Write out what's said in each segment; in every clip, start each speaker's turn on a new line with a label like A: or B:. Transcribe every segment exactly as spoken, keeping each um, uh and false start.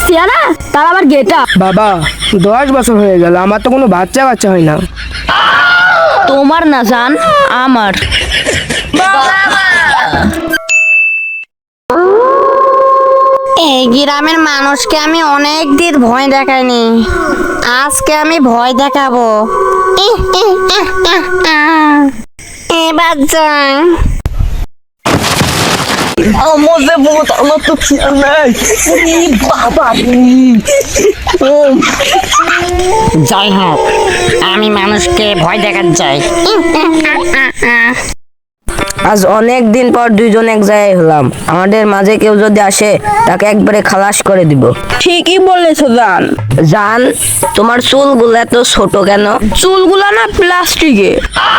A: চেহারা তার আবার গেটা।
B: বাবা দশ বছর হয়ে গেল, আমার তো কোনো বাচ্চা কাচ্চা হয় না।
A: তোমার না জান, আমার।
C: এই গ্রামের মানুষকে আমি অনেক দিন ভয় দেখাইনি, আজকে আমি ভয় দেখাবো। এবার যাই।
B: আমার যে ভূত, আমার তো খেয়াল নাই। বাবা
C: যাই হোক, আমি মানুষকে ভয় দেখাতে চাই।
D: আজ অনেক দিন পর দুইজন এক জায়গায় হলাম, আমাদের মাঝে কেউ যদি আসে তাকে একবারে খালাস করে দিব।
B: ঠিকই বলেছো জান।
D: জান, তোমার চুলগুলো এত ছোট কেন?
B: চুলগুলা না প্লাস্টিকে।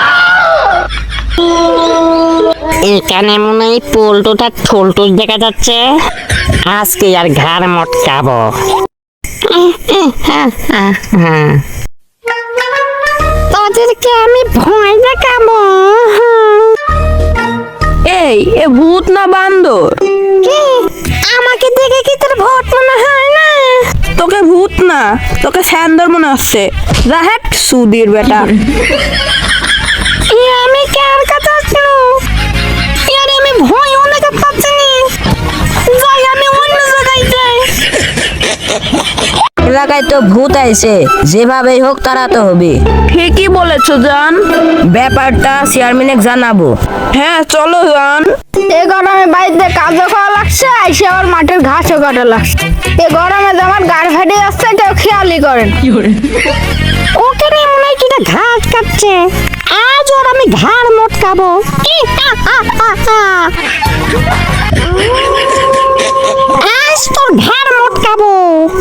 C: এখানে মনে হয় পোল্টোটা ঠোলটুস দেখা যাচ্ছে, আজকে আর ঘাড় মটকাবো। তাদেরকে আমি ভয় দেখাবো।
B: এই এ ভূত না বান্দর?
C: কি? আমাকে দেখে কি তোর ভূত মনে হয় না?
B: তোকে ভূত না, তোকে স্যান্দর মনে হচ্ছে। রাহেট সুদির বেটা।
C: এ আমি কার কথা শুনো? আরে আমি ভয় অনেক পাচ্ছি না, যাই আমি অন্য জায়গায় যাই।
D: এলাকায় তো ভূত আইছে, যেভাবেই হোক তাড়াতে হবে।
B: ঠিকই বলেছো জান।
D: ব্যাপারটা চেয়ারম্যানে জানাবো।
B: হ্যাঁ চলো জান।
A: এই গরমে বাড়িতে কাজও করা লাগছে, আইসে আবার মাঠের ঘাসও কাটা লাগছে। এই গরমে যে আমার গাড় ফেটে যাচ্ছে, কেউ খেয়ালই করেন।
C: ওকে রে মনে হয় কিটা ঘাট কাটছে, আজ ওর আমি ঘাড় মটকাবো। আজ তোর ঘাড় মটকাবো।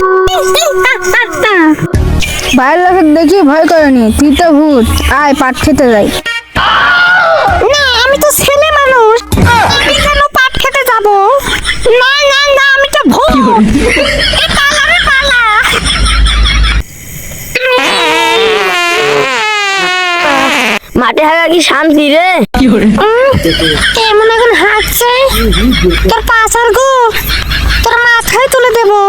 A: বাইরের লোকের দেখি ভয় করেনি, তুই তো ভূত। আয় পাট খেতে যাই।
C: না আমি তো ছেলে মানুষ, আমি কেন পাট খেতে যাব? না না না, আমি তো ভূত। এ পালা রে পালা।
D: মাঠে হাগা কি শান্তি রে?
C: কেমন এখন হাঁটছে, তোর পাছার গো তোর মাথায় তুলে দেবো।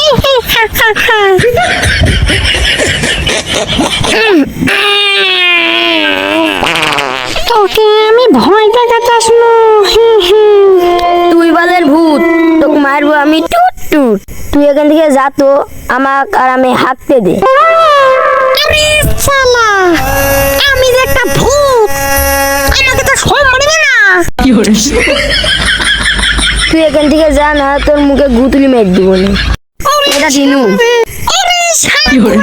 C: তোকে আমি ভয় দেখাতে আসলো।
D: তুই বালের ভূত, তোকে মারবো আমি টুট টুট। তুই এখান থেকে যা তো, আমাক আর আমি হাঁকতে দে।
C: আরে শালা, আমি যে একটা ভূত, আমাকে তো সব মারবে না।
D: তুই এখান থেকে যা, না তোর মুখে গুতুলি মেরে দিব না। এটা দিনু।
C: আরে শালা,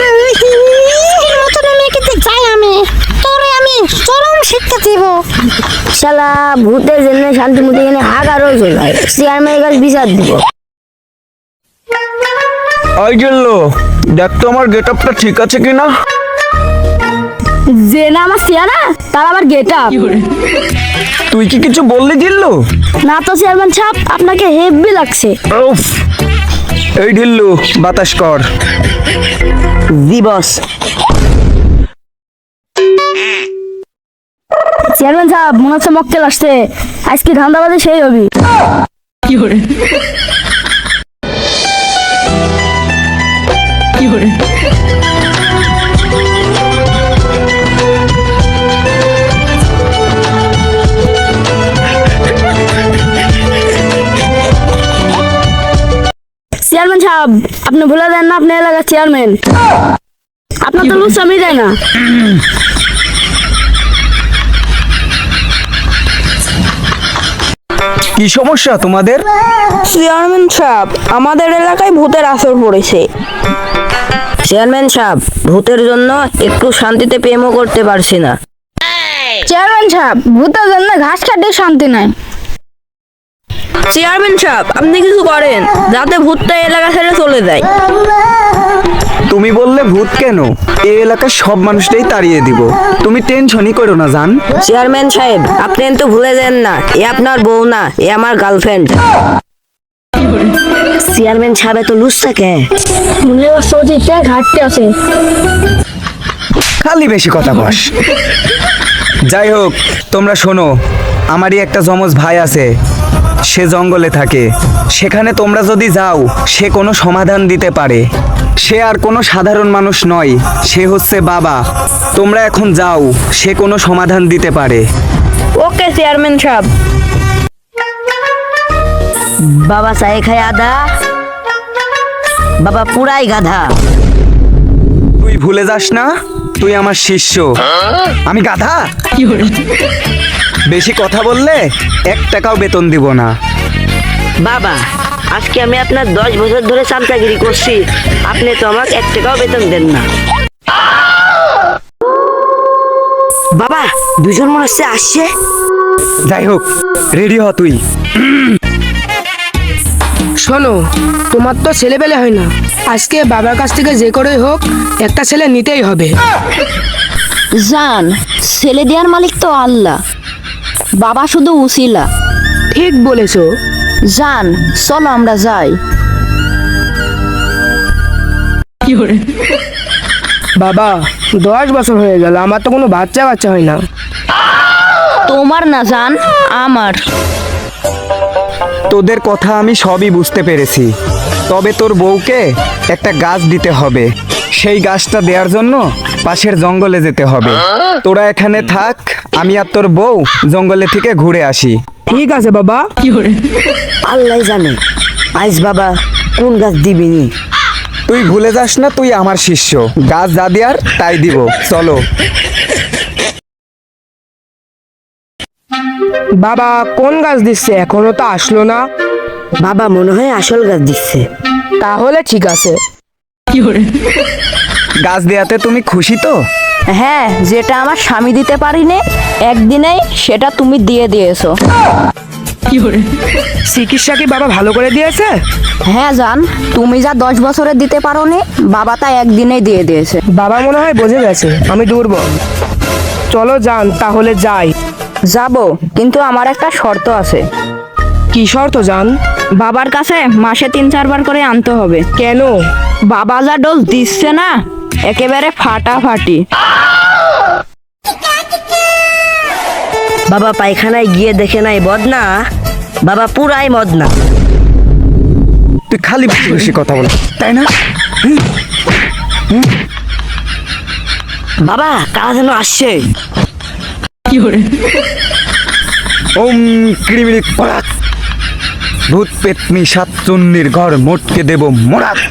C: মতন আমি এখান থেকে যাই, আমি তোরে আমি চরম শিক্ষা দিব।
D: শালা ভূতের জন্য শান্তি মতো এখানে হাগারও চলে, চেয়ারম্যানের কাছে বিচার দিব।
E: ওই গেলো, দেখ তো আমার গেট আপটা ঠিক আছে কিনা।
A: যে না আমার চেহারা তার আবার গেটা।
E: তুই কি কিছু বললি গিল্লু?
A: না তো চেয়ারম্যান সাহেব, আপনাকে হেভি লাগছে।
E: উফ, এই ঢিল্লু বাতাস কর।
D: জি বস।
A: চেয়ারম্যান সাহেব মনে হচ্ছে মক্কেল আসছে, আজকে ধান্দাবাজে সেই হবি। চেয়ারম্যান সাহেব আপনি ভুলে দেন না, আপনি এলাকার চেয়ারম্যান। আপনার তো লুচ্ছামি যায় না।
E: কি সমস্যা তোমাদের?
B: চেয়ারম্যান সাহেব, আমাদের এলাকায় ভূতের আসর পড়েছে।
D: চেয়ারম্যান সাহেব, ভূতের জন্য একটু শান্তিতে প্রেমও করতে পারছি না।
A: চেয়ারম্যান সাহেব ভূতের জন্য ঘাস কাটে শান্তি নাই।
B: চেয়ারম্যান সাহেব, আপনি কিছু করেন যাতে ভূতটা এলাকা ছেড়ে চলে যায়।
E: তুমি বললে ভূত কেন, এই এলাকার সব মানুষটাই তাড়িয়ে দিব। তুমি টেনশনই করো না জান।
D: চেয়ারম্যান সাহেব, আপনি কিন্তু ভুলে যান না, এ আপনার বউ না, এ আমার গার্লফ্রেন্ড। চেয়ারম্যান সাহেব তো লুচ্ছা কে?
A: মনে হচ্ছে ওদিকটা ঘাটতে আছে।
E: খালি বেশি কথা বস। যাই হোক, তোমরা শোনো, আমারই একটা যমজ ভাই আছে, সে জঙ্গলে থাকে। সেখানে তোমরা যদি যাও সে কোনো সমাধান দিতে পারে। সে আর কোনো সাধারণ মানুষ নয়, সে হচ্ছে বাবা। তোমরা এখন যাও, সে কোনো সমাধান দিতে পারে।
B: ওকে চেয়ারম্যান সাহেব।
D: বাবা চায়ে খায় আদা, বাবা পুরাই গাধা।
E: তুই ভুলে যাস না তুই আমার শিষ্য। আমি গাধা? বেশি কথা বললে এক টাকাও বেতন দিব না।
D: বাবা আজকে আমি আপনার দশ বছর ধরে চামচাগিরি করছি, আপনি তো আমাকে এক টাকাও বেতন দেন না। বাবা দুজন মনে হচ্ছে আসছে।
E: যাই হোক, রেডি হ তুই।
F: শোনো, তোমার তো ছেলে পেলে হয় না, আজকে বাবার কাছ থেকে যে করেই হোক একটা ছেলে নিতেই হবে।
C: জান, ছেলে দেওয়ার মালিক তো আল্লাহ, বাবা শুধু উসিলা।
F: ঠিক বলেছো।
C: জান চলো আমরা যাই।
F: বাবা দশ বছর হয়ে গেল, আমার তো কোনো বাচ্চা বাচ্চা হয় না।
C: তোমার না জান, আমার।
E: তোদের কথা আমি সবই বুঝতে পেরেছি, তবে তোর বউকে একটা গাছ দিতে হবে। সেই গাছটা দেওয়ার জন্য পাশের জঙ্গলে যেতে হবে। তোরা এখানে থাক, আমি আর তোর বউ জঙ্গলে থেকে ঘুরে আসি।
F: ঠিক আছে বাবা।
D: আল্লাহ জানে আইস বাবা কোন গাছ দিবিনি।
E: তুই ভুলে যাস না তুই আমার শিষ্য। গাছ যা দেয়ার তাই দিব। চলো।
F: বাবা কোন গাছ দিচ্ছে, এখনো তো আসলো না।
D: বাবা মনে হয় আসল গাছ দিচ্ছে।
F: তাহলে ঠিক আছে।
E: গাছ দেয়াতে তুমি খুশি তো?
C: হ্যাঁ, যেটা আমার স্বামী দিতে পারিনি একদিনেই সেটা তুমি দিয়ে দিয়েছো।
F: চিকিৎসা কি বাবা ভালো করে দিয়েছে?
C: হ্যাঁ জান, তুমি যা দশ বছরে দিতে পারোনি বাবা তা একদিনেই দিয়ে দিয়েছে।
F: বাবা মনে হয় বুঝে গেছে আমি দুর্বল। চলো যান তাহলে যাই।
C: যাব, কিন্তু আমার একটা শর্ত আছে।
F: কি শর্ত জান?
B: বাবার কাছে মাসে তিন চারবার করে আনতে হবে।
F: কেন?
B: বাবা যা ডোজ দিচ্ছে না, একেবারে ফাটাফাটি।
D: বাবা পায়খানায় গিয়ে দেখে নাই বদনা, বাবা পুরাই মদনা।
E: তুই খালি বেশি বেশি কথা বল, তাই না?
D: বাবা কারা যেন আসছে।
E: ওম ক্রিমিনি পরাত, ভূত পেতনি সাত চুন্নির ঘর মোটকে দেব মোরাত।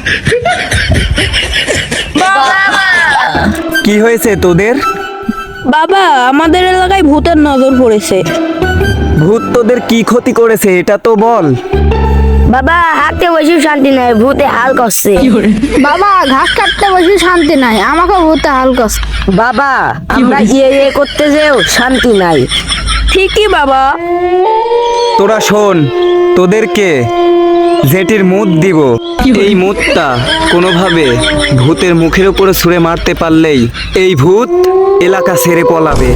E: কি হয়েছে তোদের?
B: বাবা আমাদের এলাকায় ভূতের নজর পড়েছে।
E: ভূত তোদের কি ক্ষতি করেছে এটা তো বল।
D: বাবা হাঁটতে বসে শান্তি নাই, ভূতে হাল করছে।
A: বাবা ঘাস কাটতে বসে শান্তি নাই, আমাকে ভূতে হাল করছে।
D: বাবা আমরা ইয়ে ইয়ে করতে যেও শান্তি নাই।
B: ঠিকই বাবা।
E: তোরা শোন, তোদেরকে জেটির মুদ দিব। এই মুদটা কোনোভাবে ভূতের মুখের উপরে ছুঁড়ে মারতে পারলেই এই ভূত এলাকা ছেড়ে পলাবে।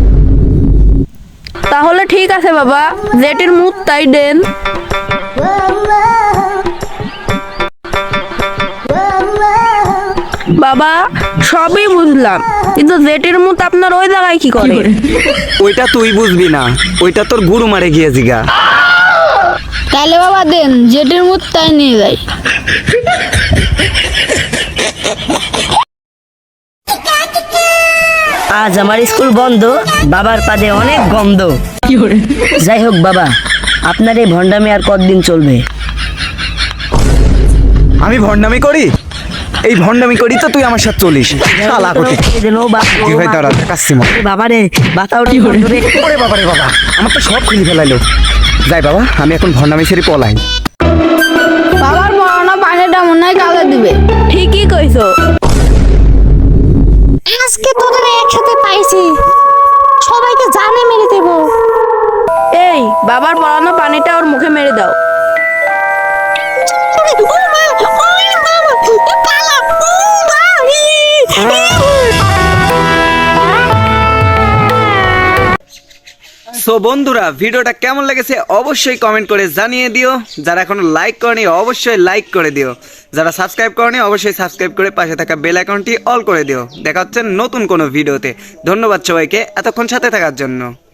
B: তাহলে ঠিক আছে বাবা, জেটির মুখ তাই দেন। বাবা সবই বুঝলাম, কিন্তু জেটির মুখ আপনার ওই জায়গায় কি করে?
E: ওইটা তুই বুঝবি না, ওইটা তোর গুরু মারে গিয়ে জিগা।
A: তাহলে বাবা দেন, জেটের মুখ তাই নিয়ে যাই।
D: আজ আমার স্কুল বন্ধ, বাবার পাদে অনেক গন্ধ। যাই হোক বাবা, আপনার এই ভণ্ডামি আর কতদিন চলবে?
E: আমি ভণ্ডামি করি? এই ভণ্ডামি করি তো তুই আমার সাথে চলিস। শালা কোটি। কি হয় তারা কাসিমা।
D: বাবা রে বাতাও
E: ওরে বাবা রে বাবা, আমার তো সব খুলে ফেলাইলো। যাই বাবা, আমি এখন ভণ্ডামি ছেড়ে পলাই।
A: বাবার পড়ানো পানিটা মনে হয় কাজে দিবে।
B: ঠিকই কইছো।
C: আজকে তোদের একসাথে পাইছি, সবাইকে জানে মেরে দেবো।
B: এই বাবার পড়ানো পানিটা ওর মুখে মেরে দাও।
E: সো বন্ধুরা, ভিডিওটা কেমন লেগেছে অবশ্যই কমেন্ট করে জানিয়ে দিও। যারা এখনো লাইক করনি অবশ্যই লাইক করে দিও। যারা সাবস্ক্রাইব করনি অবশ্যই সাবস্ক্রাইব করে পাশে থাকা বেল আইকনটি অল করে দিও। দেখা হচ্ছে নতুন কোনো ভিডিওতে। ধন্যবাদ সবাইকে এতক্ষণ সাথে থাকার জন্য।